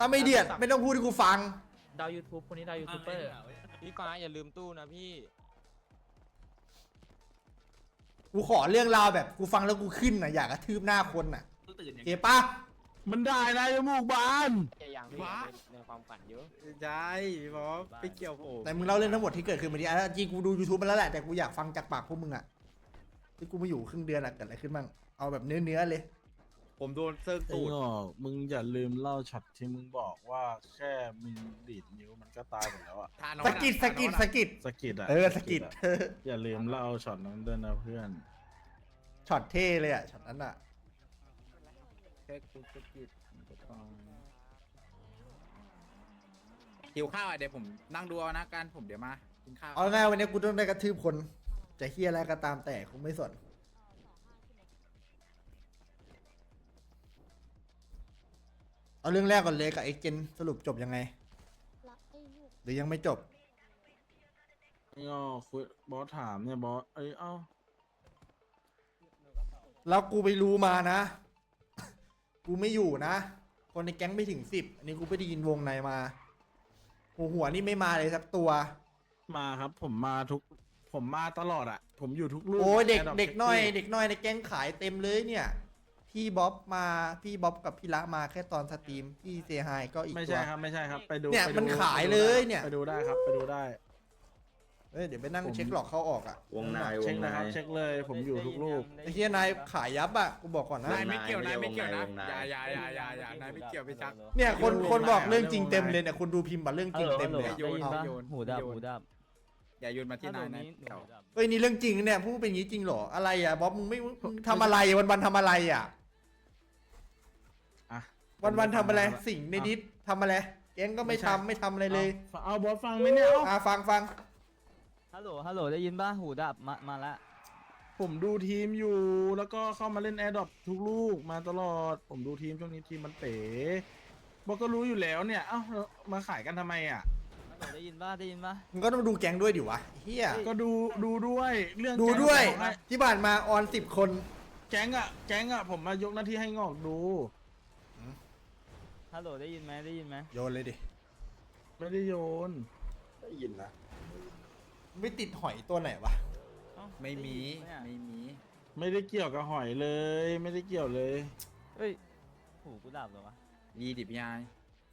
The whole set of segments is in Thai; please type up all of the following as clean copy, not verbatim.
ถ้าไม่เดือดไม่ต้องพูดให้กูฟังดาว YouTube คนนี้ดาวยูทูบเบอร์พี่ฟ้าอย่าลืมตู้นะพี่กูขอเรื่องราวแบบกูฟังแล้วกูขึ้นน่ะอยากกระทืบหน้าคนน่ะเก็บปะมันได้นะจมูกบานแค่ยังในความฝันเยอะใช่บอสไปเกี่ยวผมแต่มึงเล่าเรื่องทั้งหมดที่เกิดขึ้นมาดิอ่ะจริงกูดู YouTube มาแล้วแหละแต่กูอยากฟังจากปากพวกมึงอ่ะที่กูมาอยู่ครึ่งเดือนอะเกิดอะไรขึ้นบ้างเอาแบบเนื้อเลยผมโดนเซิร์ฟไอ้ตูดงอกมึงอย่าลืมเล่าช็อตที่มึงบอกว่าแค่มึงดีดนิ้วมันก็ตายหมดแล้วอะสะกิดสะกิดอะสะกิดอย่าลืมเล่าช็อตนั้นด้วยนะเพื่อนช็อตเท่เลยอ่ะช็อตนั้นอ่ะแค่กูสะกิดหิวข้าวอ่ะเดี๋ยวผมนั่งดูเอานะการผมเดี๋ยวมากินข้าวเอาง่ายวันนี้กูต้องได้กระทืบคนจะเฮียอะไรก็ตามแต่กูไม่สนเอาเรื่องแรกก่อนเลยกับไอ้เจนสรุปจบยังไงรักไอ้ลูกหรือยังไม่จบไอ้งอกคุยบอสถามเนี่ยบอสเอ้าแล้วกูไปรู้มานะ กูไม่อยู่นะ คนในแก๊งไม่ถึง10อันนี้กูไปได้ยินวงในมาหัวนี่ไม่มาเลยสักตัวมาครับผมมาตลอดอะผมอยู่ทุกลูกโอ้ยเด็กแร์ดรปเด็กน้อยซ็กซี่เด็กน้อยในแก๊งขายเต็มเลยเนี่ย พี่บ๊อบมาพี่บ๊อบกับพี่ละมาแค่ตอนสตรีมพี่เซฮายก็อีกไม่ตัใช่วครับไม่ใช่ครับไปดูเนี่ยไปดูมันขายเลยเนี่ยไปดูได้ครับไปดูได้เดี๋ยวไปนั่งเช็คหลอกเข้าออกอ่ะวงในวเช็คงนะในครับเช็คเลยผมอยู่ทุกลูกไอ้เฮียนายขายยับอ่ะกูบอกก่อนนะนายไม่เกี่ยวนายไม่เกี่ยวนะวงในอย่านายไม่เกี่ยวไปชักเนี่ยคนบอกเรื่องจริงเต็มเลยเนี่ยคนดูพิมพ์มาเรื่องจริงเต็มเลยโยนเอาโยนหูดับหูดับอย่าโยนมาที่นายนะเกี่ยวเอ้ยนี่เรื่องจริงเนี่ยพูดเป็นอย่างนี้จริงเหรออะไรอ่ะบ๊อบมึงไม่มึงทำอะไรวันทำอะไรอ่ะอ่ะวันทำอะไรสิ่งในดิสทำอะไรแก๊งก็ไม่ทำไม่ทำอะไรเลยเอาบอสฟังไหมเนี่ยเอาฟังฮัลโหลได้ยินป่ะหูดับมาละผมดูทีมอยู่แล้วก็เข้ามาเล่นแอร์ดรอปทุกลูกมาตลอด ผมดูทีมช่วงนี้ทีมมันเป๋บอกก็รู้อยู่แล้วเนี่ยเอ้าแล้วมาขายกันทำไมอ่ะฮัลโหลได้ยินป่ะมึงก็ต้องดูแก๊งด้วยดิวะเฮียก็ดูด้วยเรื่องดูด้วยแก๊งอะที่ผ่านมาออน10 คนแก๊งอ่ะผมมายกหน้าที่ให้งอกดูฮัลโหลได้ยินไหมโยนเลยดิไม่ได้โยนได้ยินนะไม่ติดหอยตัวไหนวะไม่มีเนี่ยไม่มีไม่ได้เกี่ยวกับหอยเลย ไม่ได้เกี่ยวเลยเฮ้ยหูกูดับเหรอวะดีดิบยาย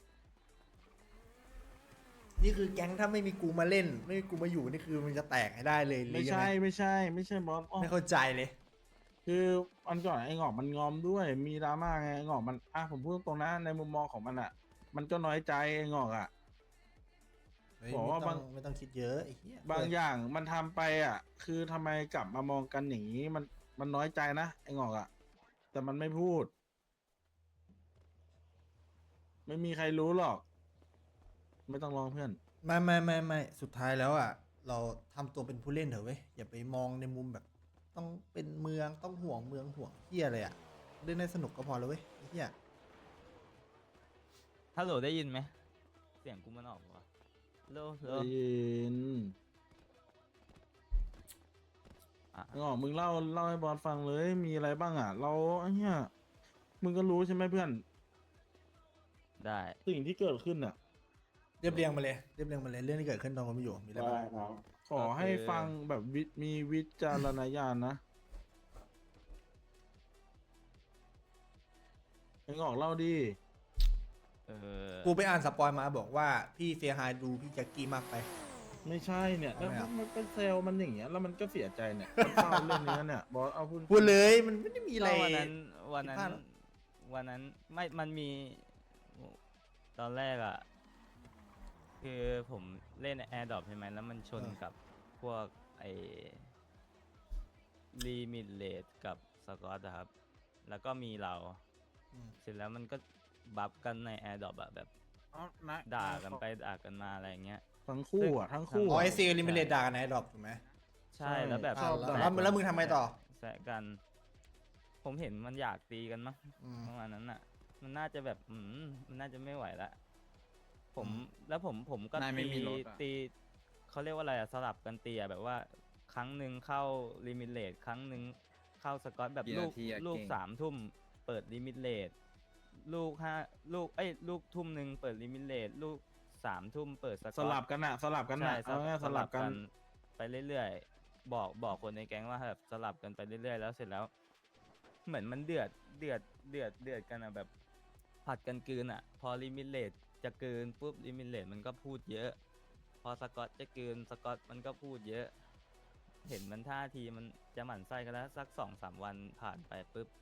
นี่คือแก๊งถ้าไม่มีกูมาเล่น ไม่มีกูมาอยู่นี่คือมันจะแตกให้ได้เลยหรือไม่ยังใช่ไงไม่ใช่บอสอ้อไม่เข้าใจเลยคืออันก่อนไอ้งอกมันงอมด้วยมีดราม่าไงไอ้งอกมันผมพูดตรงๆนะในมุมมองของมันอ่ะ มันก็น้อยใจไอ้งอกอ่ะเฮ้ยบอกว่าไม่ต้องคิดเยอะไอ้เหี้ยบางอย่างมันทำไปอ่ะ คือทำไมกลับมามองกันอย่างนี้มันน้อยใจนะไอ้งอกอ่ะ แต่มันไม่พูด ไม่มีใครรู้หรอก ไม่ต้องร้องเพื่อนไม่สุดท้ายแล้วอ่ะเราทำตัวเป็นผู้เล่นเถอะเว้ยอย่าไปมองในมุมแบบ ต้องเป็นเมืองต้องห่วงเมืองห่วงเหี้ยอะไรอ่ะเล่นได้สนุกก็พอแล้วเว้ยไอ้เหี้ยฮัลโหลได้ยินไหมเสียงกูมันออกวะโลได้ยินอ่ะไอ้งอกมึงเล่าให้บอสฟังเลย มีอะไรบ้างอ่ะ เราไอ้เนี้ยมึงก็รู้ใช่ไหมเพื่อนได้สิ่งที่เกิดขึ้นอ่ะเรียบเรียงมาเลยเรื่องที่เกิดขึ้นตอนผมไม่อยู่มีอะไรบ้างขอให้ฟังแบบมีวิจารณญาณนะไอ้งอกเล่าดิเออกูไปอ่านสปอยมาบอกว่าพี่เฟียฮายดูพี่แจ็คกี้มากไปไม่ใช่เนี่ยแล้วทำไมอ่ะมันเป็นเซลล์มันอย่างเงี้ยแล้วมันก็เสียใจเนี่ยมันเศร้าเรื่องนี้เนี่ยบอสเอาพูดพูดเลยมันไม่ได้มีอะไรก็วันนั้นผิดพลาดหรอไม่มันมีตอนแรกอ่ะคือผมเล่นแอร์ดรอปใช่ไหมแล้วมันชนกับพวกไอ้ลิมิตเลทกับสกอตครับ แล้วก็มีเราอืมเสร็จแล้วมันก็บัฟกันในแอร์ดรอปอะแบบเอานะด่ากันไปด่ากันมาอะไรอย่างเงี้ยทั้งคู่อ่ะทั้งคู่อ๋ออะไอซีลิมิเลตด่ากันไหนดรอปถูกไหมใช่แล้วแบบชอบแล้วมึงทำไมต่อแซะกัน ผมเห็นมันอยากตีกันมั้งอืมประมาณนั้นอ่ะ มันน่าจะแบบมันน่าจะไม่ไหวละผมอืมแล้วผมก็นายไม่มีรถอะตีเขาเรียกว่าอะไรอะสลับกันตีอะแบบว่า ครั้งหนึ่งเข้าลิมิตเลทครั้งหนึ่งเข้าสกอตแบบกี่ลูนาก ทีอะลูกเก่ง 3 ทุ่มเปิดลิมิตเลทลูกทุ่มหนึ่งเปิดลิมิเลตลูก3 ทุ่มเปิดสกอตสลับกันอะสลับกันใช่อะเอาง่ายๆสลับกันไปเรื่อยๆบอกคนในแก๊งว่าแบบสลับกันไปเรื่อยๆแล้วเสร็จแล้ว เหมือนมันเดือดกันอะแบบผัดกันกลืนอะพอลิมิเลตจะกลืนปุ๊บลิมิเลตมันก็พูดเยอะ พอสกอตจะกลืนสกอตมันก็พูดเยอะ เห็นมันท่าทีมันจะหมั่นไส้กันแล้วสัก2-3 วันผ่านไปปุ๊บ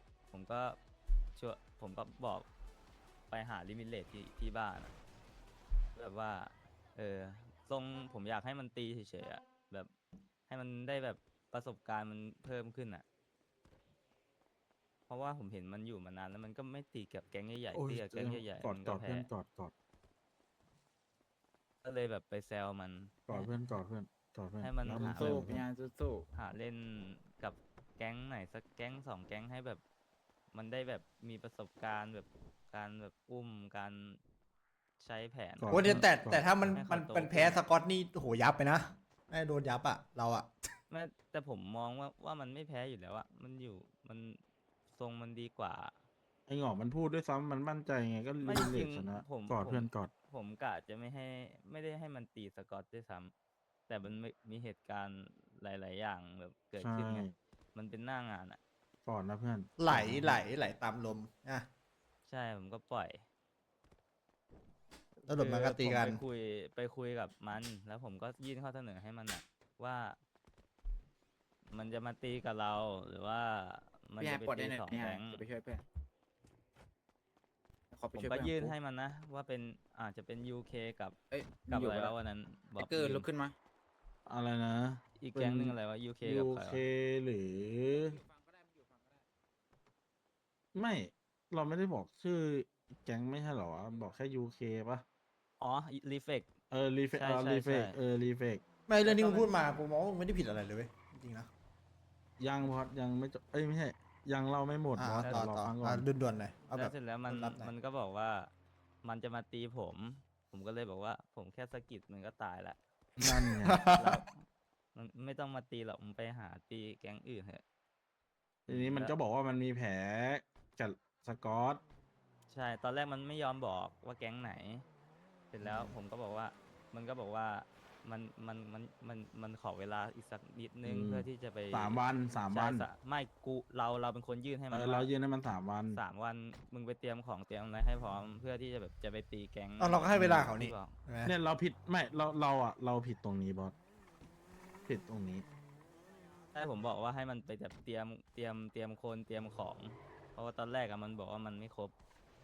ผมก็บอกไปหาลิมิเลตที่บ้านอะแบบว่าทรงผมอยากให้มันตีเฉยๆอะแบบให้มันได้แบบประสบการณ์มันเพิ่มขึ้นอะเพราะว่าผมเห็นมันอยู่มานานแล้วมันก็ไม่ตีกับแก๊งใหญ่โอ้ๆยตีกับแก๊งใหญ่กอๆดมันกก็อดแพ้เพื่อนกอดกอดก็เลยแบบไปแซวมันกอดเพื่อนกอดเพื่อนกอดเพื่อนให้มันแล้วหาสู้แบบพี่ยานสู้หาเล่นกับแก๊งไหนสักแก๊ง2 แก๊งให้แบบ มันได้แบบมีประสบการณ์แบบการแบบอุ้มการใช้แผนกอดโอ้ยเพื่อนแต่ถ้ามันให้เขามันโตมันแพ้ขึ้นอะสกอตนี่โหยับไปนะน่าจะโดนยับอะเราอะไม่แต่ผมมองว่ามันไม่แพ้อยู่แล้วอะมันทรงมันดีกว่าไอ้หงอกมันพูดด้วยซ้ำมันมั่นใจไงก็ไม่รีจเลริทงชนะผมกอดผมเพื่อนกอดผมกะจะไม่ได้ให้มันตีสกอตด้วยซ้ำแต่มันมีเหตุการณ์หลาย ๆ อย่างแบบเกิดใช่ขึ้นไงมันเป็นหน้างานอะกอดนะเพื่อนไหลกอดนะไหลตามลมนะใช่ผมก็ปล่อยแล้วหลุดมันก็ตีกันผมไปคุยกับมัน แล้วผมก็ยื่นข้อเสนอให้มันอะว่า มันจะมาตีกับเรา หรือว่าๆมันพี่ยาจะนไปปลดได้ตีหน่อยสองพี่ยาแก๊นงจะไปช่วยเพื่อนขอไปผมช่วยก็เพื่อนยื่นปุ๊บให้มันนะ ว่าเป็นอาจจะเป็น UK กับเอ้ยกับอยู่อะไรปะวะวันนั้นบไอ้อกเกิร์ลืลุมกขึ้นมาอะไรนะอีกแก๊งหนึ่งอะไรวะ UK กับใคร UK วะหรือ ไม่ เราไม่ได้บอกชื่อแก๊งไม่ใช่เหรอวะบอกแค่ UK ปะอ๋อรีเฟกรีเฟกใช่รีเฟกใช่รีเฟกไม่เรื่องที่แล้วมึก็งพูดมากูมองว่ามึงไม่ได้ผิดอะไรเลยเว้ยจริงๆนะยังพอดยังไม่จบเอ้ยไม่ใช่ ยังเล่าไม่หมดอ่าบอสต่เดี๋อยวรอต่อฟังก่อนด่วนๆหน่อยเอาแล้แบวบเสร็จแล้วมันรับๆหน่อยมันก็บอกว่ามันจะมาตีผม ผมก็เลยบอกว่า ผมแค่สะกิดมันก็ตายละนั่นไงแล้วมันไม่ต้องมาตีหรอกมันไปหาตีแก๊งอื่นเถอะทีนี้มันก็บอกว่ามันมีแผลกับสกอตใช่ตอนแรกมันไม่ยอมบอกว่าแก๊งไหน เสร็จแล้วผมก็บอกว่า มันก็บอกว่ามันขอเวลาอีกสักนิดนึงอืมเพื่อที่จะไป 3 วันใช่ไม่เราเป็นคนยื่นให้มันเราว่ายื่นให้มัน3 วัน 3 วันมึงไปเตรียมของเตรียมอะไรให้พร้อมเพื่อที่จะแบบจะไปตีแก๊งเอาเราก็ให้เวลาเขานี่ที่บอกใช่ไหมเนี่ยเราผิดไม่เราผิดตรงนี้บอสผิดตรงนี้ใช่ผมบอกว่าให้มันไปแบบเตรียมคนเตรียมของ เพราะว่าตอนแรกอะมันบอกว่ามันไม่ครบ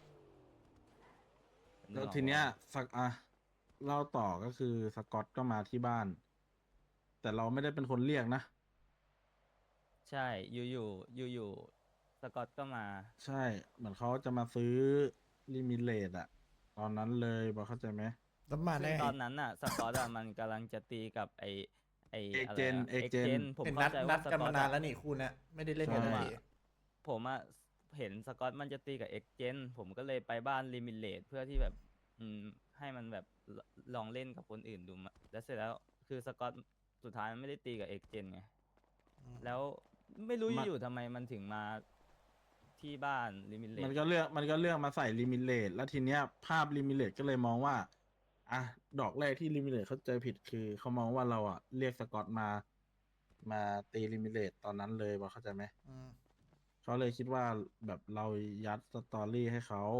แล้วทีเนี้ยเล่าต่อก็คือสกอตก็มาที่บ้าน แต่เราไม่ได้เป็นคนเรียกนะใช่อยู่สกอตก็มาใช่เหมือนเขาจะมาซื้อลิมิเลตอะตอนนั้นเลยบอสเข้าใจไหมแล้วมาซึ่ได้งตอนนั้นน่ะสกอตอะมันกำลังจะตีกับไอเอกอะไรเจนอะเอกเอกเจนเจนผมเห็นเข้าใจนัว่าดสกันกอมาตนานอะแล้วนี่คู่เนี้ยไม่ได้เล่นกันใช่สักทีผมอะเห็นสกอตมันจะตีกับเอกเจนผมก็เลยไปบ้านลิมิเลตเพื่อที่แบบให้มันแบบลองเล่นกับคนอื่นดูมาแล้วเสร็จแล้วคือสกอตสุดท้ายมันไม่ได้ตีกับเอกเจนไง แล้วไม่รู้มันอยู่ๆทำไมมันถึงมาที่บ้านลิมิเลตมันก็เลือกมาใส่ลิมิเลตแล้วทีเนี้ยภาพลิมิเลตก็เลยมองว่าอ่ะดอกแรกที่ลิมิเลตเขาใจผิดคือเขามองว่าเราอะเรียกสกอตมาตีลิมิเลตตอนนั้นเลยบอสเข้าใจไหมอืมเขาเลยคิดว่าแบบเรายัดสตอรี่ให้เขา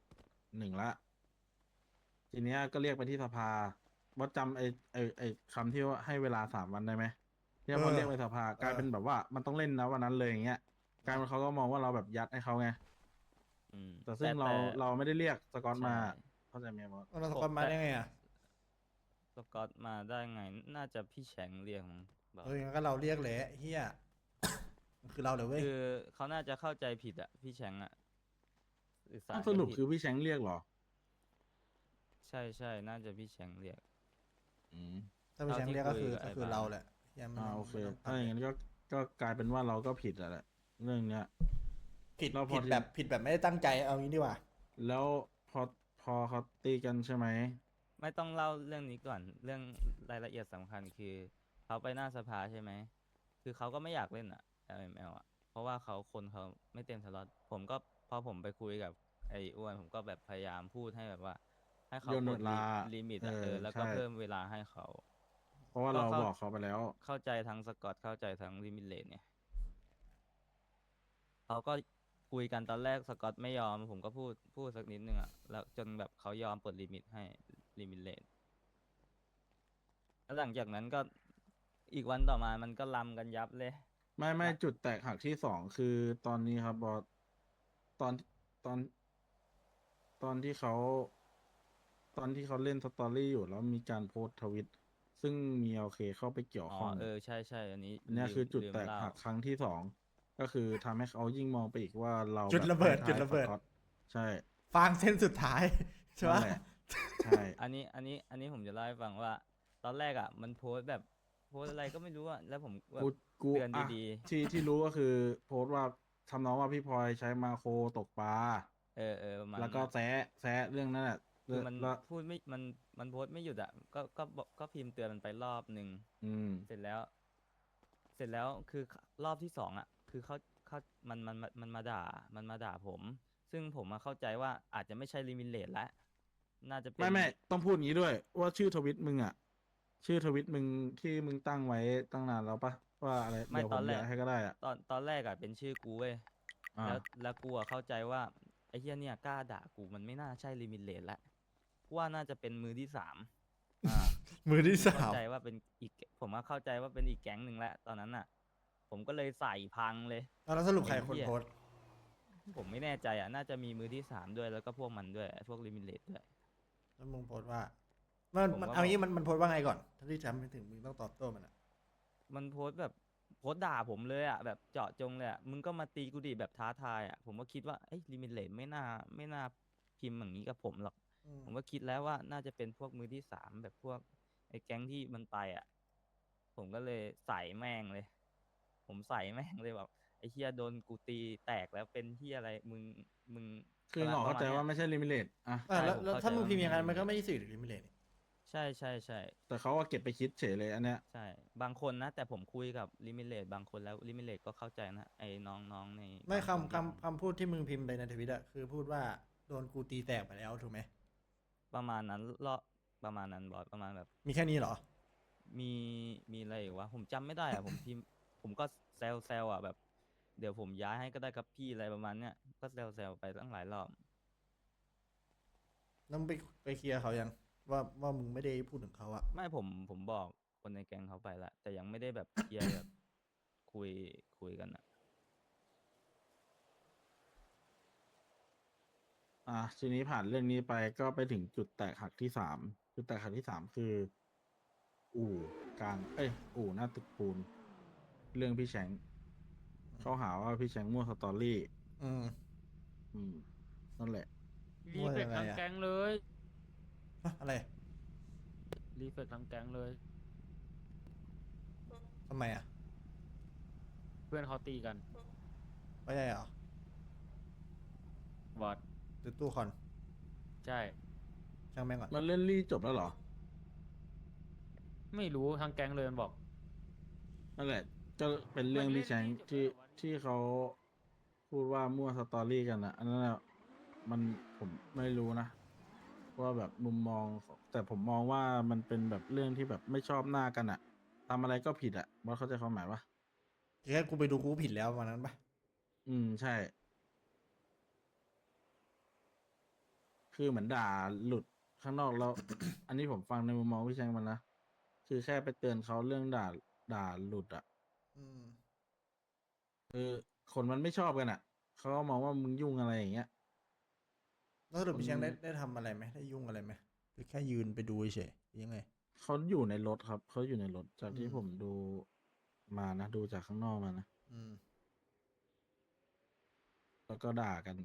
1ละ ทีเนี้ยก็เรียกไปที่สภาว่าจำไอ้คำที่ว่าให้เวลา3 วันได้ไหมที่พอเรียกไปสภากลายเป็นแบบว่ามันต้องเล่นนะวันนั้นเลยอย่างเงี้ยกลายเป็นเขาก็มองว่าเราแบบยัดให้เขาไง แต่ซึ่งเราไม่ได้เรียกสกอตมาใช่เข้าใจไหมบอสแล้วสกอตมาได้ไงอ่ะสกอตมาได้ไง น่าจะพี่แฉงเรียกมั้งบอกเฮ้ยงั้นก็เราเรียกแหละเฮีย มันคือเราเลยเว้ยคือเขาน่าจะเข้าใจผิดอะพี่แฉงอะสื่อสารสรุปกันผิดคือพี่แชงเรียกเหรอใช่น่าจะพี่แฉงเรียกอืมถ้าเป็นแชมป์เรียกก็คือเท่าที่คุยกับก็คือไอ้บ้านเราแหละเฮียมันโอเคมันต้ถ้าอย่างนั้นก็กลายเป็นว่าเราก็ผิดอะแหละเรื่องเนี้ยผิดเราพอผิดแบบผิดแบบไม่ได้ตั้งใจเอางี้ดีกว่าแล้วพอเขาตีกันใช่ไหมไม่ต้องเล่าเรื่องนี้ก่อน เรื่องรายละเอียดสำคัญคือเขาไปหน้าสภาใช่ไหม คือเขาก็ไม่อยากเล่นอะ LML อะเพราะว่าคนเขาไม่เต็มสล็อตผมก็พอผมไปคุยกับไอไอ้อ้วนผมก็แบบพยายามพูดให้แบบว่า ให้เขาโยนกเวดลาลิมิตเออะอแล้วก็ใช่เพิ่มเวลาให้เขาเพราะว่าก็เราเข้าบอกเขาไปแล้วเข้าใจทั้งสกอตเข้าใจทั้งลิมิเลตเนี่ยเขาก็คุยกันตอนแรกสกอตไม่ยอม ผมก็พูดสักนิดนึงอะแล้วจนแบบเขายอมปลดลิมิตให้ลิมิเลตแล้วหลังจากนั้นก็อีกวันต่อมามันก็ลำกันยับเลยไม่ละจุดแตกหักที่สองคือตอนนี้ครับบอสตอนตอนตอนที่เขาตอนที่เขาเล่นสตอรี่อยู่แล้วมีการโพสต์ทวิต ซึ่งมีโอเคเข้าไปเกี่ยวอ๋อข้องใช่ อันนี้อันเนี้ยลืมคือจุดลืมแตกเล่าหักครั้งที่สองก็คือทำให้เขายิ่งมองไปอีกว่าเราจุดแบบระเบิดให้จุดท้ายระเบิดสก๊อตใช่ฟางเส้นสุดท้าย ใช่นั่ปะนแหละ ใช่อันนี้ผมจะเล่าให้ฟังว่า ตอนแรกอ่ะ มันโพสต์แบบโพสต์อะไรก็ไม่รู้อ่ะ แล้วผมแบกูบกูเตือนอ่ะดีที่รู้ก็คือโพสต์ว่าทำน้องว่าพี่พลอยใช้มาโครตกปลาๆ ประมาณแล้วก็นั้นอะแซะเรื่องนั้นแหละคือมันแล้วพูดไม่ มันโพสต์ไม่หยุดอ่ะ ก็พิมพ์เตือนมันไปรอบหนึ่งอืมเสร็จแล้วคือรอบที่สองอ่ะ คือเขามันมาด่าผม ซึ่งผมมาเข้าใจว่าอาจจะไม่ใช่ลิมิเลตแล้ว น่าจะเป็นไม่ต้องพูดงี้ด้วย ว่าชื่อทวิตมึงอ่ะ ชื่อทวิตมึงที่มึงตั้งไว้ตั้งนานแล้วปะว่าอะไรไม่เดี๋ยวตผอนมแรกย้ายให้ก็ได้อ่ะตอนแรกอ่ะเป็นชื่อกูเว้ยอ่าแล้วกูอะเข้าใจว่าไอ้เฮียเนี่ยกล้าด่ากูมันไม่น่าใช่ลิมิเลตแล้วกูว่าน่าจะเป็นมือที่สามอ่ามือที่สาเข้าม ใจว่าเป็นอีก ผมว่าเข้าใจว่าเป็นอีกแก๊งหนึ่งแล้วตอนนั้นน่ะ ผมก็เลยใส่พังเลยแล้วสรุปใครไอ้คนเหี้ยโพสต์ผมไม่แน่ใจอ่ะ น่าจะมีมือที่สามด้วย แล้วก็พวกมันด้วยพวกลิมิเลตด้วยแล้วมึงโพสต์ว่า มันผมก็เอางี้บอกมันโพสต์ว่าไงก่อน ถ้าที่จำไม่ถึงมึงต้องตอบโต้มันอะมันโพสต์แบบโพสต์ด่าผมเลยอ่ะ แบบเจาะจงเลยอ่ะ มึงก็มาตีกูดิแบบท้าทายอ่ะ ผมก็คิดว่าไอ้ลิมิเลตไม่น่าพิมพ์อย่างนี้กับผมหรอกอืมผมก็คิดแล้วว่าน่าจะเป็นพวกมือที่สามแบบพวกไอ้แก๊งที่มันไปอ่ะ ผมก็เลยใส่แม่งเลย ผมใส่แม่งเลยแบบไอ้เฮียโดนกูตีแตกแล้วเป็นที่อะไรมึงคือหงอปเข้าระใจณนี้ยว่าไม่ใช่ลิมิเลตอ่ะอ่ะแล้วผมแล้วเข้าถ้าใจมึงว่าพิมพ์อย่างนั้นไม่มันใช่ก็ไม่สื่อถึงลิมิเลตนี่ใช่แต่เขาก็เก็บไปคิดเฉยเลยอันเนี้ยใช่ บางคนนะ แต่ผมคุยกับลิมิเลตบางคนแล้วลิมิเลตก็เข้าใจนะ ไอ้น้องๆในไม่บางนที่คำพูดที่มึงพิมพ์ไปในทวิตอะคือพูดว่าโดนกูตีแตกไปแล้วถูกไหมประมาณนั้นประมาณนั้นบอสประมาณแบบมีแค่นี้เหรอมีอะไรอีกวะผมจำไม่ได้อะ ผมพิมพ์ ผมก็แซวอ่ะแบบ เดี๋ยวผมย้ายให้ก็ได้ครับพี่อะไรประมาณเนี้ยก็แซวไปตั้งหลายรอบแล้วมึงไปเคลียร์เขายังว่ามึงไม่ได้พูดถึงเขาอะไม่ผมบอกคนในแก๊งเขาไปละแต่ยังไม่ได้แบบเคลียร์แบบคุยกันอะทีนี้ผ่านเรื่องนี้ไปก็ไปถึงจุดแตกหักที่สามจุดแตกหักที่สามคือ อู่กลางอู่หน้าตึกปูน เรื่องพี่แชงเขาหาว่าพี่แชงมั่วสตอรี่อืมนั่นแหละรีว่าเฟยักงไงทั้งอะแก๊งเลยฮะอะไรรีเฟกทั้งแก๊งเลยทำไมอะเพื่อนเขาตีกันไม่ใช่เหรอบอดหรือตู้คอนใช่ช่างแม่งก่อนมันเล่นรี่จบแล้วเหรอไม่รู้ทั้งแก๊งเลยมันบอกนั่นแหละก็เป็นเรื่องพี่แชงที่เขาพูดว่ามั่วสตอรี่กันนะอันนั้นน่ะมันผมไม่รู้นะว่าแบบมุมมองของแต่ผมมองว่ามันเป็นแบบเรื่องที่แบบไม่ชอบหน้ากันอะทำอะไรก็ผิดอะบอสเข้าใจความหมายปะแค่กูไปดูกูผิดแล้ววันนั้นปะใช่ คือเหมือนด่าหลุดข้างนอกแล้ว อันนี้ผมฟังในมุมมองพี่แชงมันนะคือแค่ไปเตือนเขาเรื่องด่าหลุดอะอืมคือคนมันไม่ชอบกันอ่ะ เขาก็มองว่ามึงยุ่งอะไรอย่างเงี้ยแล้วสรุปพี่แชงคนได้ทำอะไรไหมได้ยุ่งอะไรไหมหรือแค่ยืนไปดูเฉยหรือยังไงเขาอยู่ในรถครับ เขาอยู่ในรถจากที่อืมผมดูมานะ ดูจากข้างนอกมานะอืมแล้วก็ด่ากัน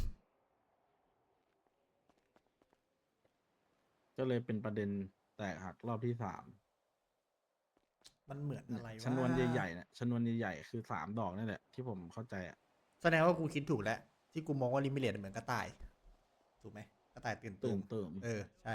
ก็เลยเป็นประเด็นแตกหักรอบที่สามมันเหมือนอะไรวะชนวนใหญ่ๆเนี่ยชนวนใหญ่ๆคือ3 ดอกนี่แหละ ที่ผมเข้าใจอ่ะแสดงว่ากูคิดถูกแล้ว ที่กูมองว่าลิมิเลตเหมือนกระต่าย ถูกไหมกระต่ายตื่นตูตื่มนใช่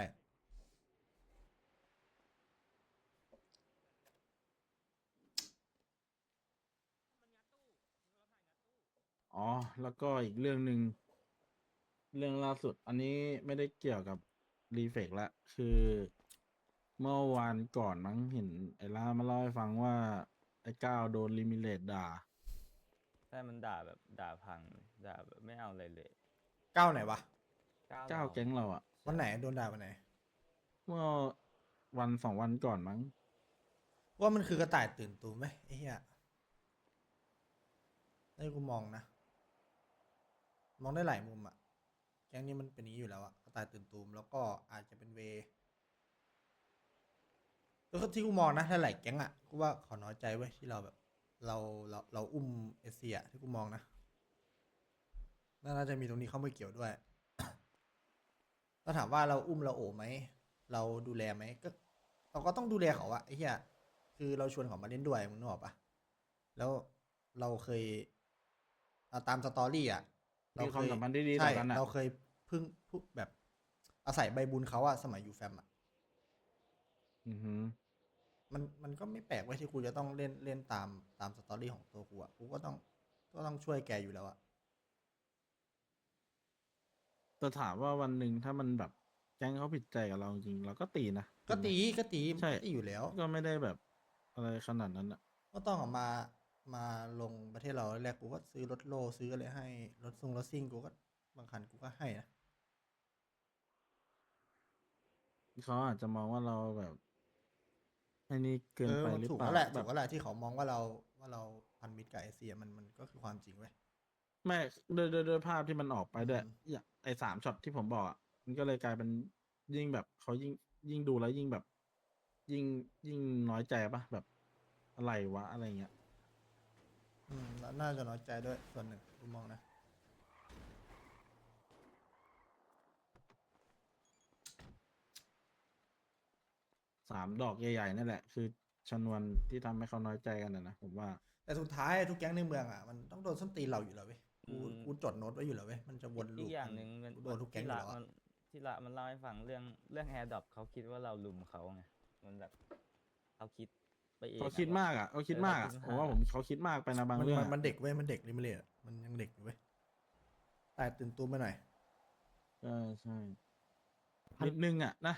อ๋อ แล้วก็อีกเรื่องหนึ่งเรื่องล่าสุด อันนี้ไม่ได้เกี่ยวกับรีเฟกละคือเมื่อวานก่อนมั้งเห็นไอ้ล่ามาเล่าให้ฟังว่า ไอ้ก้าวโดนลิมิเลตด่าใช่มันด่าแบบด่าพังด่าแบบไม่เอาอะไรเลยก้าวไหนวะก้าวแก๊งเราอะวันไหนโดนด่าวันไหนเมื่อวันสองวันก่อนมั้งว่ามันคือกระต่ายตื่นตูมไหมไอ้เหี้ยให้กูมองนะ มองได้หลายมุมอะแก๊งนี้มันเป็นอย่างนี้อยู่แล้วอะกระต่ายตื่นตูมแล้วก็อาจจะเป็นเวแล้วก็ที่กูมองนะหลายๆแก๊งอะกูว่าเขาน้อยใจเว้ยที่เราแบบ เราอุ้มเอเชียที่กูมองนะน่าจะมีตรงนี้เข้ามาเกี่ยวด้วย ถ้าถามว่าเราอุ้มเราโอบไหมเราดูแลไหมก็เราก็ต้องดูแลเขาอะไอ้เหี้ยคือเราชวนเขามาเล่นด้วยมึงนึกออกปะแล้วเราเคยตามสตอรี่อะเรามีความเคยสัมพันธ์ที่ดีต่ใช่อกันอะเราเคยพึ่งแบบอาศัยใบบุญเขาอะสมัยอยู่แฟมอะอือฮึมันก็ไม่แปลกไว้ยที่กูจะต้องเล่นตามสตอรี่ของตัวกูอะกูก็ต้องช่วยแกอยู่แล้วอะแต่ถามว่าวันหนึ่งถ้ามันแบบแก๊งเขาผิดใจกับเราจริงเราก็ตีนะก็ตีถูไหมก็ตีมันใช่ก็ตีอยู่แล้วก็ไม่ได้แบบอะไรขนาดนั้นอะก็ต้องออกมาลงประเทศเราแรกกูก็ซื้อรถโลซื้ออะไรให้รถรถซิ่งกูก็บางคันกูก็ให้นะเขาอาจจะมองว่าเราแบบไอ้นี่เกินไปมันหรือถูกเปล่าแล้วแหละแบถูบกแล้วแหละที่เขามองว่าเราพันมิตรกับเอเชียมันก็คือความจริงเว้ยไม่ด้วยภาพที่มันออกไปด้วยอืมอย่างไอ้3ช็อตที่ผมบอกอะมันก็เลยกลายเป็นยิ่งแบบเขายิ่งดูแล้วยิ่งแบบ ยิ่งน้อยใจปะแบบอะไรวะอะไรเงี้ยแล้วน่าจะน้อยใจด้วยส่วนหนึ่งกูมองนะ 3 ดอกใหญ่ๆนั่นแหละ คือชนวนที่ทำให้เขาน้อยใจกันนะผมว่าแต่สุดท้ายทุกแก๊งในเมืองอะมันต้องโดนส้นตีนเราอยู่แล้วเว้ยกูจดโน้ตไว้อยู่แล้วเว้ยมันจะวนลูอีปกอย่างหนึ่งมัมันกูโดนทุกแก๊งอยู่แล้วอะที่ละมันเล่าให้ฟังเรื่องแอร์ดรอปเขาคิดว่าเราลุมเขาไงมันแบบเขาคิดไปเองเขาคิดมากอ่ะเขาคิดมากอ่ะผมว่าเขาคิดมากไปนะบางมันเรื่องมันเด็กเว้ยมันเด็กลิมิเลตมันยังเด็กอยู่เว้ยแต่ตื่นตูมไปหน่อยใช่นิดนึงอ่ะนะ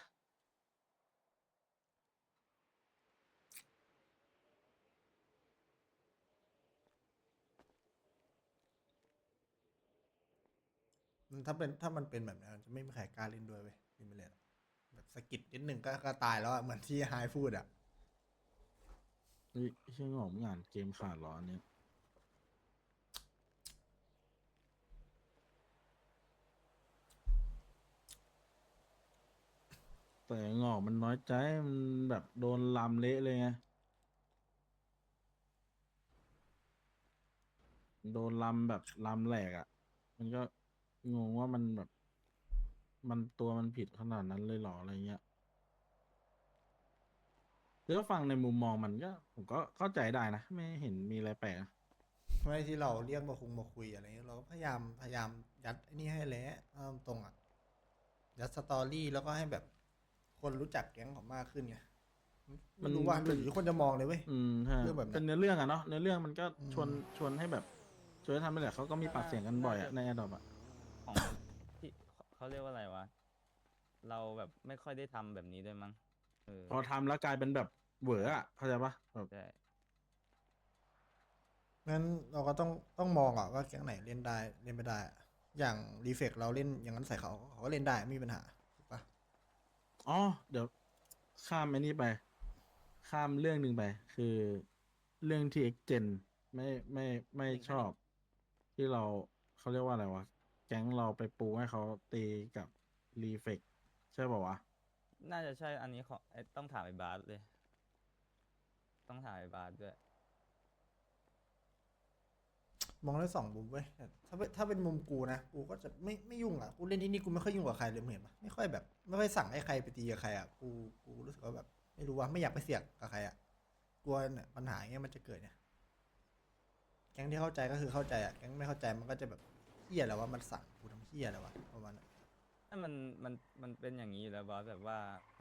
ถ้ามันเป็นแบบนั้นจะไม่มีใครกล้าเล่นด้วยเว้ยลิมิเลตแบบสะกิดนิดหนึ่งก็ตายแล้วอะเหมือนที่ไฮพูดอะเชื่อผมงานเกมขาดเหรออันเนี้ยแต่งอกมันน้อยใจมันแบบโดนลำเละเลยไงโดนลำแบบลำแหลกอ่ะ มันก็งงว่ามันแบบ มันผิดขนาดนั้นเลยเหรออะไรเงี้ยคือก็ฟังในมุมมองมันก็ ผมก็เข้าใจได้นะ ไม่เห็นมีอะไรแปลกนะไม่ที่เราเรียกมาคุยอะไรเงี้ยเราก็พยายามยัดไอ้นี่ให้แล้วเอาตรงอะยัดสตอรี่แล้วก็ให้แบบคนรู้จักแก๊งเขามากขึ้นไงไม่รู้ว่าหรือคนจะมองเลยเว้ยใช่เรื่องแบบนั้นเป็นเนื้อเรื่องอะเนาะเนื้อเรื่องมันก็อืมชวนให้แบบชวนให้ทำไปแหละเขาก็มีปากเสียงกันบ่อยอะในแอดดอปอะของที่เขาเรียกว่าอะไรวะเราแบบไม่ค่อยได้ทำแบบนี้ด้วยมั้งพอทำแล้วกลายเป็นแบบเหวออะเข้าใจปะแบบใช่งั้นเราก็ต้องมองอะว่าแก๊งไหนเล่นได้เล่นไม่ได้อะอย่างรีเฟกเราเล่นอย่างนั้นใส่เขาก็เล่นได้ไม่มีปัญหาถูกปะอ๋อเดี๋ยวข้ามไอ้นี่ไป ข้ามเรื่องหนึ่งไป คือเรื่องที่เอ็กเจนไม่ชอบ ที่เขาเรียกว่าอะไรวะ แก๊งเราไปปูให้เขาตีกับรีเฟกใช่ป่าวะน่าจะใช่อันนี้ของต้องถามไอ้บาสเลย ต้องถามไอ้บาสด้วยมองได้สองมุมเว้ยแต่ถ้าเป็นมุมกูนะกูก็จะไม่ยุ่งอ่ะกูเล่นที่นี่กูไม่ค่อยยุ่งกับใครเลยมึงเห็นปะไม่ค่อยแบบไม่ค่อยสั่งให้ใครไปตีกับใครอ่ะกูรู้สึกว่าแบบไม่รู้ว่าไม่อยากไปเสี่ยงกับใครอ่ะกลัวเนี่ยปัญหาอย่างเงี้ยมันจะเกิดเนี่ยแก๊งที่เข้าใจก็คือเข้าใจอ่ะแก๊งไม่เข้าใจมันก็จะแบบเฮี้ยแล้วว่ามันสั่งกูทำเฮี้ยแล้ววะประมาณนั้นถ้ามันเป็นอย่างนี้อยู่แล้วบอสแบบว่า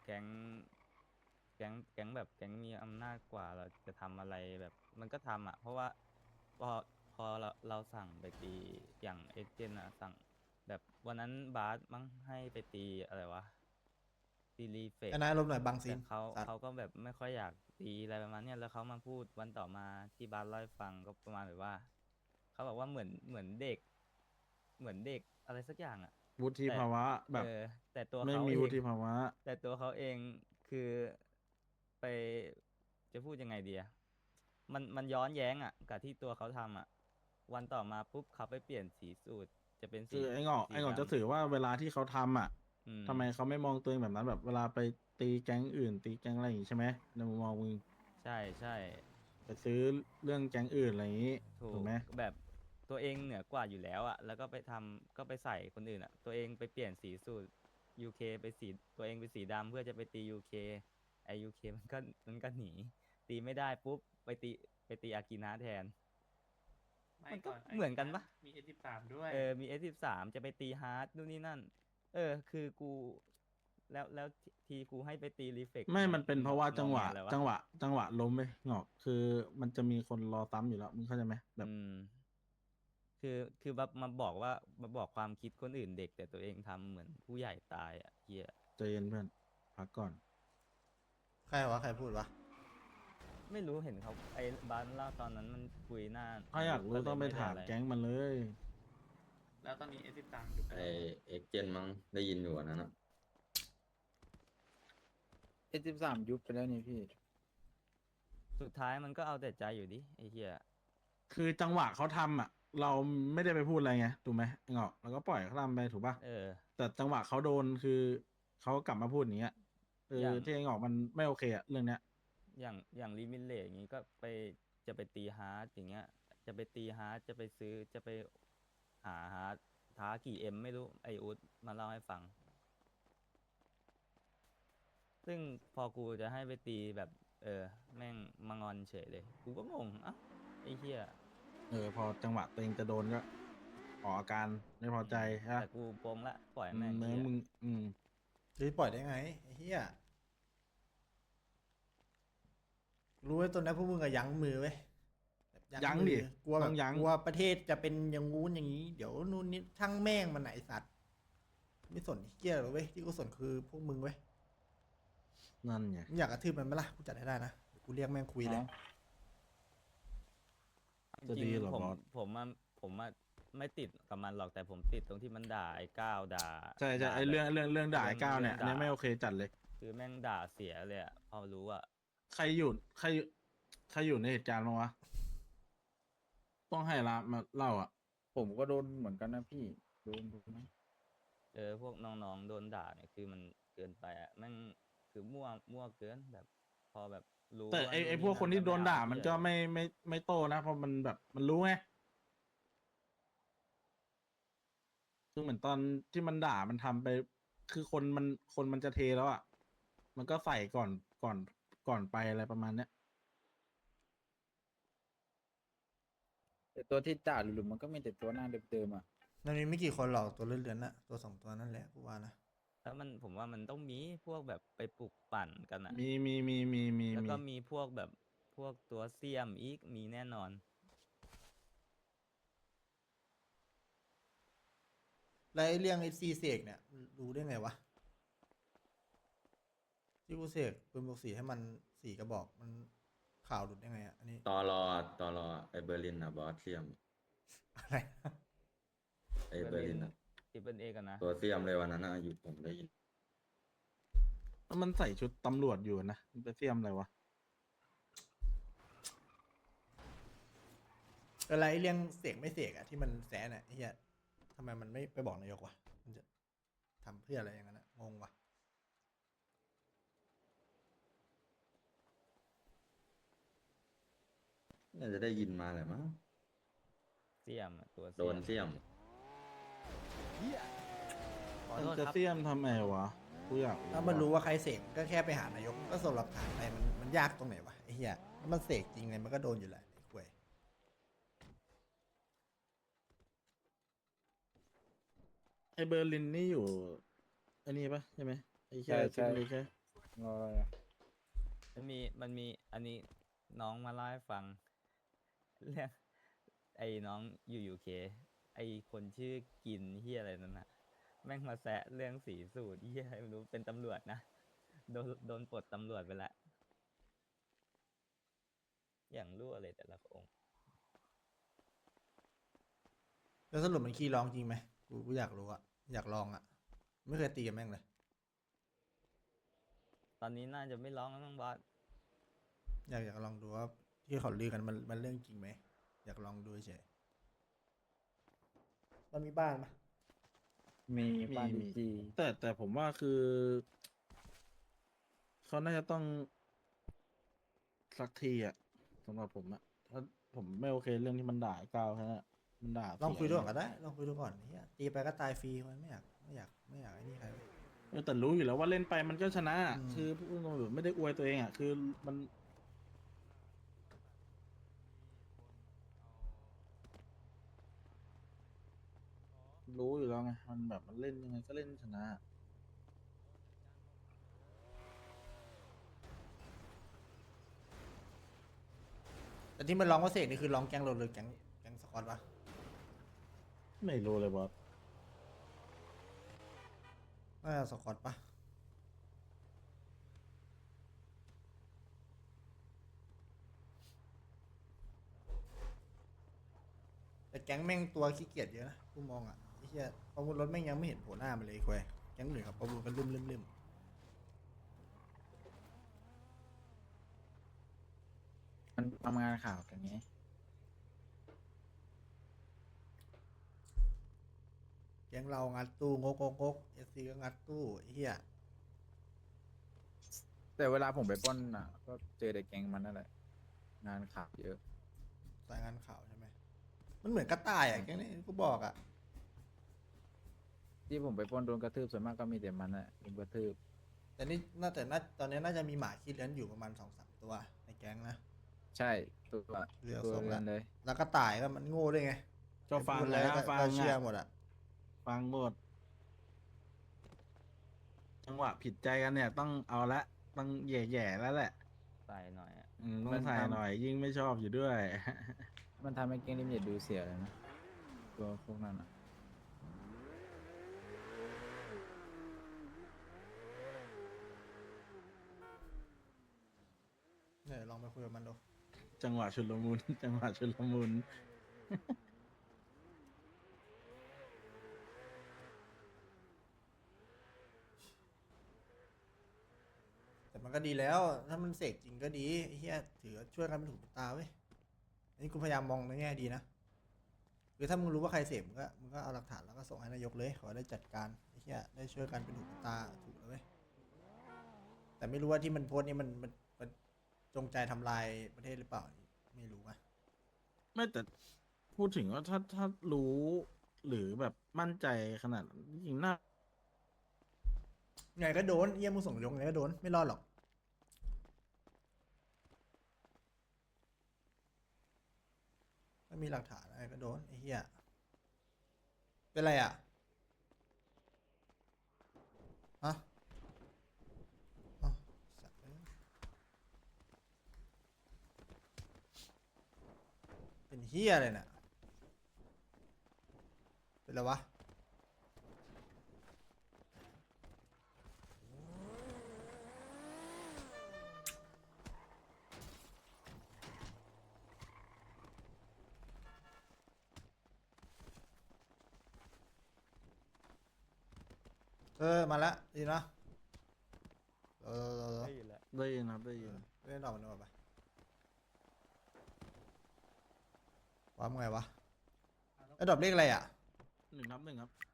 แก๊งแบบแก๊งมีอำนาจกว่าเราจะทำอะไรแบบมันก็ทำอ่ะเพราะว่าพอเราสั่งไปตีอย่างเอเจนต์อะสั่งแบบวันนั้นบาสมั้งให้ไปตีอะไรวะตีรีเฟกไอ้นายลมณ์หน่อยบางซีแต่นเขาสัตว์เขาก็แบบไม่ค่อยอยากตีอะไรประมาณเนี้ยแล้วเขามาพูดวันต่อมาที่บาสเล่าให้ฟังก็ประมาณแบบว่าเขาบอกว่าเหมือนเด็ก เหมือนเด็กอะไรสักอย่างอ่ะวุฒิภาวะแบบเออแต่ตัวไม่เขามีเอวุงฒิภาวะแต่ตัวเขาเองคือไปจะพูดยังไงดีอะมันย้อนแย้งอ่ะกับที่ตัวเขาทำอ่ะ วันต่อมาปุ๊บเขาไปเปลี่ยนสีสูตรจะเป็นสีคือไอ้งอกสีไอ้งอกดำจะสื่อว่าเวลาที่เขาทำอ่ะอืมทำไมเขาไม่มองตัวเองแบบนั้นแบบเวลาไปตีแก๊งอื่น ตีแก๊งอะไรอย่างงี้ใช่ไหมในมุมมองมึงใช่ใช่ไปซื้อเรื่องแก๊งอื่นอะไรอย่างงี้ถูถูกกไหมแบบตัวเองเหนือกว่าอยู่แล้วอ่ะแล้วก็ไปทำก็ไปใส่คนอื่นอ่ะ ตัวเองไปเปลี่ยนสีสูตร UK ไปสีตัวเองเป็นสีดำเพื่อจะไปตี UK ไอ UK มันก็หนีตีไม่ได้ปุ๊บไปตีอากินะแทน มันก็เหมือนกันปะมี S13 ด้วยมี S13 จะไปตีฮาร์ดนู่นนี่นั่น คือกูแล้วทีกูให้ไปตีรีเฟกไม่มันเป็นเพราะว่าจังหวะงอแแล้วจังหวะล้มไปงอก คือมันจะมีคนรอซ้ำอยู่แล้วมึงเข้าใจไหมแบบคือแบบมาบอกความคิดคนอื่นเด็ก แต่ตัวเองทำเหมือนผู้ใหญ่ตายอ่ะเฮียใจเย็นเพื่อนพักก่อนใครวะใครพูดวะไม่รู้เห็นเขาไอ้บ้านเล่าตอนนั้นมันคุยหน้าถ้าอยากรู้ต้องไปถามแก๊งมันเลยแล้วตอนนี้ S13 อยู่ไอเอ็กเจนมั้งได้ยินอยู่อันนั้นอะ S13 ยุบไปแล้วนี่พี่สุดท้ายมันก็เอาแต่ใจอยู่ดิไอ้เฮียคือจังหวะเขาทำอ่ะ เราไม่ได้ไปพูดอะไรไงถูกไหมไอ้งอกแล้วก็ปล่อยเขาทำไปถูกป่ะ แต่จังหวะเขาโดนคือเขากลับมาพูดอย่างเงี้ยอย่างที่ไอ้งอกมันไม่โอเคอ่ะเรื่องเนี้ยอย่างลิมิเลตอย่างงี้ก็จะไปตีฮาร์ดอย่างเงี้ย จะไปตีฮาร์ดจะไปซื้อจะไปหาฮาร์ดท้ากี่เอ็มไม่รู้ไออุดมาเล่าให้ฟัง ซึ่งพอกูจะให้ไปตีแบบแม่งมางอนเฉยเลย กูก็งงอ่ะไอ้เหี้ยพอจังหวะตัวเองจะโดนก็ออกอาการไม่พอใจฮะแต่กูโปงละปล่อยแม่งเนื้อเหี้ยมึงจะปล่อยได้ไงไอ้เหี้ยรู้ไว้ตัวนี้พวกมึงอะยั้งมือไว้แบบยั้งดิมือกลัวแบต้บองยั้งกลัวประเทศจะเป็นอย่างงู้นอย่างนี้ เดี๋ยวนู่นนี่ช่างแม่งมันไหนสัตว์ ไม่สนเหี้ยหรอกเว้ยที่กูสนคือพวกมึงเว้ยนั่นไงมึงอยากกระทืบมันไหมล่ะกูจัดให้ได้นะเดี๋ยวกูเรียกแม่งคุยเลยจะจริดีงเหรอๆผมบอสผมไม่ติดกับมันหรอกแต่ผมติดตรงที่มันด่าไอ้ก้าวด่าใช่ด่าไอ้เรื่องด่าเรื่ไอ้ก้าวเนี่ยอันนี้ด่าไม่โอเคจัดเลยคือแม่งด่าเสียเลยอะพอรู้อะใครอยู่ในเหตุการณ์บ้างวะต้องให้ละมาเล่าอ่ะผมก็โดนเหมือนกันนะพี่ โดนนะพวกน้องๆโดนด่าเนี่ยคือมันเกินไปอะแม่งคือมั่วเกินแบบ พอแบบรู้แต่ว่าไอ้นู่พวกคนที่โดนด่าไเอมันก็เหี้ยไม่โตนะเพราะมันแบบมันรู้ไงคือเหมือนตอนที่มันด่ามันทำไป คือคนมันจะเทแล้วอ่ะมันก็ใส่ก่อนไปอะไรประมาณเนี้ยแต่ตัวที่ด่าหลุมๆมันก็มีแต่ตัวหน้าเดิมๆอ่ะมันมีไม่กี่คนหรอกตัวเลื่อนๆน่ะตัวสองตัวนั่นแหละกูว่านะแล้วผมว่ามันต้องมีพวกแบบไปปลุกปั่นกันอะมีแล้วก็มีพวกแบบพวกตัวเสียมอีกมีแน่นอนแล้วไอ้เรื่องไอ้ซีเสกเนี่ยรู้ได้ไงวะที่กูเสกปืนบวกสีให้มันสีกระบอกมันข่าวหลุดได้ไงอ่ะอันนี้ตอรอไอเบอร์ลินอะบอสเซียมอะไรนะไอเบอร์ลินอะที่เป็นเอกันนะตัวเซียมเลยวันนั้นอะอยู่ผมได้ยินแล้วมันใส่ชุดตำรวจอยู่นะมันไปเสียมอะไรวะอะไรไอ้เรื่องเสกไม่เสกอ่ะที่มันแซะน่ะไอ้เหี้ยทำไมมันไม่ไปบอกนายกวะมันจะทำเพื่ออะไรอย่างนั้นอะงงวะน่าจะได้ยินมาแหละมั้งเสียมอะตัวโดนเซียมขอมันโทษจะครับเสียมทำไมวะกูอยากถ้ามันรู้ว่าใครเสกก็แค่ไปหานายกก็ส่งหลักฐานไปมันยากตรงไหนวะไอ้เหี้ยถ้ามันเสกจริงไงมันก็โดนอยู่แหละไอ้ควยไอเบอร์ลินนี่อยู่อันนี้ปะใช่ไหมไอแค่ใช่ชุดเล็กแค่รออะไรอ่ะมันมีอันนี้น้องมาเล่าให้ฟัง เรื่องไอ้น้องอยู่ UK ไอ้คนชื่อกินเฮียอะไรนั่นน่ะแม่งมาแซะเรื่องสีสูตรเหี้ยอะไรไม่รู้เป็นตำรวจนะโดนปลดตำรวจไปละอย่างรั่วเลยแต่ละองค์แล้วสรุปมันขี้ร้องจริงไหมกูอยากรู้อะอยากลองอะไม่เคยตีกับแม่งเลยตอนนี้น่าจะไม่ร้องแล้วมั้งบอสอยากลองดูว่าที่เขาลือกันมันเรื่องจริงไหมอยากลองดูเฉยมันมีบ้านปะมีปามีดิจีแต่ผมว่าคือเขาน่าจะต้องสักทีอ่ะสำหรับผมอ่ะถ้าผมไม่โอเคเรื่องที่มันด่าไอ้ก้าวแค่นั้นอะมันด่าลองคุยเสีดูก่อนก็ได้ลองคุยดูก่อนเฮียตีไปก็ตายฟรีมันไม่อยากไอ้นี่ใครแต่รู้อยู่แล้วว่าเล่นไปมันก็ชนะอะอืมคือพูดตรงๆแบบไม่ได้อวยตัวเองอ่ะคือมันรู้อยู่แล้วไงมันแบบมันเล่นยังไงก็เล่นชนะแต่ที่มันร้องว่าเสกนี่คือร้องแก๊งเราเลยแก๊งสกอตปะไม่รู้เลยบอสน่าจะสกอตปะแต่แก๊งแม่งตัวขี้เกียจเยอะนะกูมองอ่ะไอ้เหี้ยประมูลรถแม่งยังไม่เห็นโผล่หน้ามันเลยคุยแก๊งหนึ่งครับประมูลกันลืมมันทำงานข่าวกันไงแก๊งเรางัดตู้งกเอสซีก็งัดตู้ไอ้เหี้ยแต่เวลาผมไปปล้นอ่ะ ก็เจอแต่แก๊งมันนั่นแหละ งานข่าวเยอะสายงานข่าวใช่ไหมมันเหมือนกระต่ายอ่ะแก๊งนี้กูบอกอ่ะที่ผมไปปล้นโดนกระทืบส่วนมากก็มีแต่มันอ่ะโดนกระทืบแต่นี่ตอนนี้น่าจะมีหมาขี้เลื้อนอยู่ประมาณ2-3 ตัวในแก๊งนะใช่ตัวเรือตัวส่งเรืแล้อนวเลยแล้วกระต่ายก็มันโง่ด้วยไงก็ฟังพูดอะไรแล้วก็ฟังก็เชื่ออะหมดอ่ะฟังหมด จังหวะผิดใจกันเนี่ย ต้องเอาละต้องแย่ๆแล้วแหละใส่หน่อยอะต้องใส่หน่อย ยิ่งไม่ชอบอยู่ด้วยมันทำให้แก๊งลิมิตดูเสียเลยนะ ตัวพวกนั้นอ่ะเนี่ยลองไปคุยกับมันดูจังหวะชุลมุน จังหวะชุลมุนแต่มันก็ดีแล้ว ถ้ามันเสกจริงก็ดีไอ้เหี้ยถือว่าช่วยกันเป็นหูเป็นตาเว้ยอันนี้กูพยายามมองในแง่ดีนะคือถ้ามึงรู้ว่าใครเสพมึงก็เอาหลักฐานแล้วก็ส่งให้นายกเลยขอได้จัดการไอ้เหี้ยได้ช่วยกันเป็นหูเป็นตาถูกแล้วเว้ยแต่ไม่รู้ว่าที่มันโพสต์นี่มันจงใจทำลายประเทศหรือเปล่าไม่รู้อะไม่แต่พูดถึงว่าถ้ารู้หรือแบบมั่นใจขนาดนั้นจริงๆน่าไงก็โดนเยี่ยมึงส่งยงไงก็โดนไม่รอดหรอกไม่มีหลักฐานอะไรก็โดนไอ้เหี้ยเป็นไรอ่ะฮะอ้าวสัตว์เอ้ยเป็นเหี้ยอะไรเนี่ยเป็นไรวะมาละดีนะเราได้ยินแล้วได้ยินครับได้ยินเล่นต่อมันดีกว่าปะว่ามึงไงวะไอ้ดอกเลขอะไรอ่ะ 1 ทับ 1ครับ